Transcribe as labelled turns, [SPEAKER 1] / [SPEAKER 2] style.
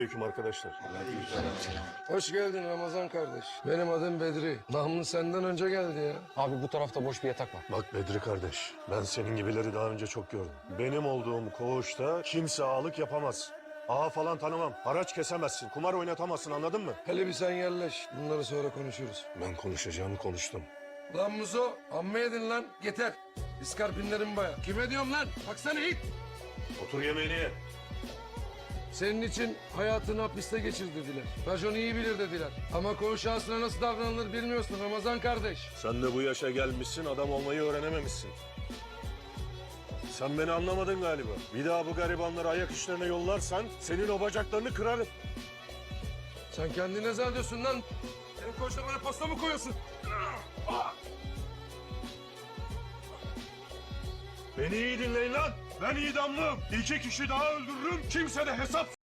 [SPEAKER 1] Aleyküm arkadaşlar.
[SPEAKER 2] Hoş geldin Ramazan kardeş. Benim adım Bedri. Namlı senden önce geldi ya.
[SPEAKER 3] Abi bu tarafta boş bir yatak var.
[SPEAKER 1] Bak Bedri kardeş, ben senin gibileri daha önce çok gördüm. Benim olduğum koğuşta kimse ağalık yapamaz. Ağa falan tanımam. Haraç kesemezsin, kumar oynatamazsın, anladın mı?
[SPEAKER 2] Hele bir sen yerleş. Bunları sonra konuşuruz.
[SPEAKER 1] Ben konuşacağımı konuştum.
[SPEAKER 2] Lan Muzo, amma yedin lan. Yeter. İskarpinlerim baya. Kime diyorum lan? Baksana it.
[SPEAKER 1] Otur yemeğini ye.
[SPEAKER 2] Senin için hayatını hapiste geçir dediler. Racon iyi bilir dediler. Ama koğuş ağasına nasıl davranılır bilmiyorsun Ramazan kardeş.
[SPEAKER 1] Sen de bu yaşa gelmişsin, adam olmayı öğrenememişsin. Sen beni anlamadın galiba. Bir daha bu garibanları ayak işlerine yollarsan senin o bacaklarını kırarım.
[SPEAKER 2] Sen kendine ne zannediyorsun lan? Senin koğuşta bana pasta mı koyuyorsun?
[SPEAKER 1] Beni iyi dinleyin lan. Ben idamlıyım. İki kişi daha öldürürüm. Kimse de hesap